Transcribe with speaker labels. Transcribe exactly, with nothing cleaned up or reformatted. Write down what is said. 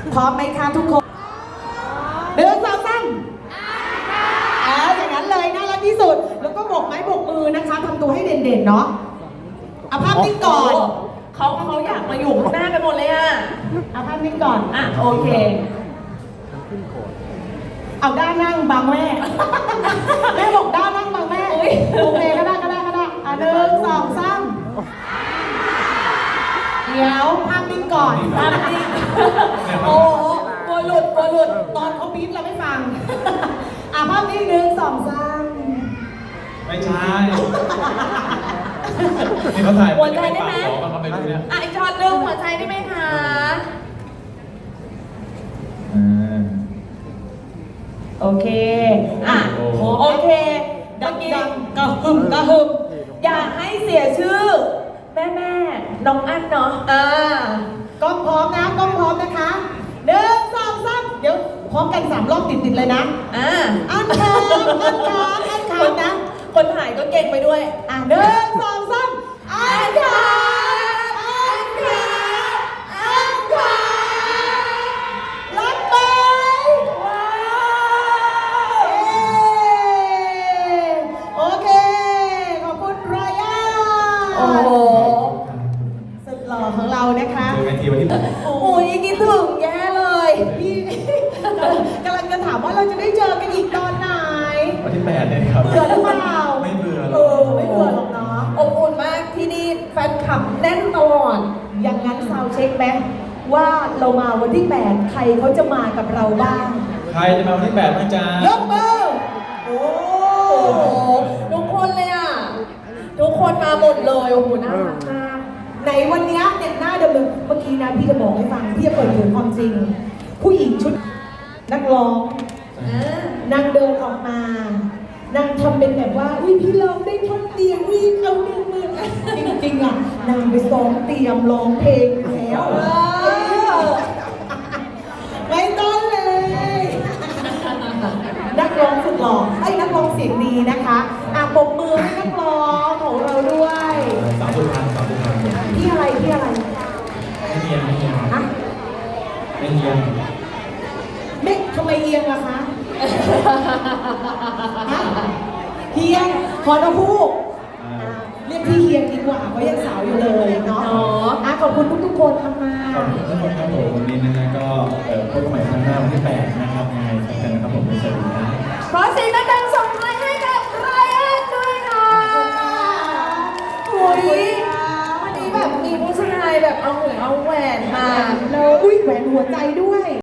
Speaker 1: พร้อมไหมคะทุกคนเดินสองสามอ่าอย่างนั้นเลยน่ารักที่สุดแล้วก็โบกไม้โบกมือนะคะทำตัวให้เด่นๆเนาะเอาภาพนิ่งก่อน
Speaker 2: เขาเขาอยากมาอยู่ข้างหน้ากันหมดเลยอ่ะ
Speaker 1: เอาภาพนิ่งก่อน
Speaker 2: อ่ะโอเค
Speaker 1: เอาด้านนั่งบังแม่แม่บอกด้านนั่งบังแม่โอเคก็ได้ก็ได้ก็ได้อ่ะหนึ่งสองสามเดี๋ยวภาพนิ่งก่อนภาพนิ่งโอ้โหกลัวหลุดกลัวหลุดตอนเขาบีบเราไม่ฟังอ่ะภาพนิ่งหนึ่งสองสาม
Speaker 3: ไม่ใช่นี่เขาถ่าย
Speaker 2: หัวใจได้ไหม
Speaker 3: เขาไปดูเนี่ย
Speaker 2: อ่ะอีกช็อตหนึ่งหัวใจได้ไหมคะ
Speaker 1: โอเค
Speaker 2: อ่ะโอเคเมื่อกี้กระหึ่มกระหึ่มอยากให้เสียชื่อแม่แม่น้องอั้นเนาะอ่
Speaker 1: ากล้องพร้อมนะกล้องพร้อมนะคะหนึ่งสองสามเดี๋ยวพร้อมกันสามรอบติดๆเลยนะ
Speaker 2: อ่า
Speaker 1: อันคามอันคามอันคามนะ
Speaker 2: คนถ่ายก็เก่งไปด้วย
Speaker 1: อ่ะหนึ่งสองสามอันคามอันคามอันคามรักไหมว้าวโอเคขอบคุณไรอัน
Speaker 2: โอ้โห
Speaker 1: สุดหล่อของเรานะคะ
Speaker 3: เจอกันทีวันที่
Speaker 2: โอ้ยคิดถึงแย่เลย
Speaker 1: พี่กำลังจะถามว่าเราจะได้เจอกันอีกตอนไหน
Speaker 3: วันที่แปดเนี่ยครับ
Speaker 1: เบื่อหรือเปล่า
Speaker 3: ไม่เบื่อหร
Speaker 1: เอ
Speaker 3: อก
Speaker 1: อไม่เบื่อหรอกเนาะ
Speaker 2: อบอุ่นมากที่นี่แฟนคลับแน่นตลอด
Speaker 1: อย่างนั้นซาวเช็คไหมว่าเรามาวันที่แปดใครเขาจะมากับเราบ้าง
Speaker 3: ใครจะมาวันที่แปดบ้างจ๊ะ
Speaker 1: ยกมือโอ้
Speaker 2: โหทุกคนเลยอ่ะทุกคนมาหมดเลยโอ้โหน่ารักมาก
Speaker 1: ในวันนี้เนี่ยหน้าเดิมๆเมื่อกี้นะพี่จะบอกให้ฟังพี่จะเปิดเผยความจริงผู้หญิงชุดนักร้องนางเดินออกมานางทำเป็นแบบว่าอุ้ยพี่ร้องได้ท่อนเดียววิ่งเอาหนึ่งหมื่นจริงๆอ่ะนางไปซ้อมเตรียมร้องเพลงแล้วไม่ต้องเลยนักร้องสุดหล่อไอ้นักร้องเสียงดีนะคะอ่ะปรบมือให้นักร้องของเราด้วย
Speaker 3: สาวสุพรรณสาวสุพรรณ
Speaker 1: พี่อะไรพี่อะไร
Speaker 3: ไม่เอียงไม่เอียง
Speaker 1: ฮะ
Speaker 3: ไม่เอียง
Speaker 1: ไม่ทำไมเอียงล่ะคะเฮียงขอนะพูกเรียกพี่เฮียงดีกว่าเพราะยังสาวอยู่เลยเนาะอ่ะขอบคุณทุกๆคนทำมา
Speaker 3: ขอบคุณทุกคนครับผมวันนี้นะฮะก็เอ่อพบกันใหม่ครั้งหน้าวันที่แปดนะครับยังไงพบกันนะครับผมในสวัสดีนะ
Speaker 2: ขอเสียงดังๆส่งท้ายให้กับไรอันด้วยค่ะโอ้ยวันนี้แบบมีผู้ชายแบบเอาหัวเอาแหวนมา
Speaker 1: แล้วอุ้ยแหวนหัวใจด้วย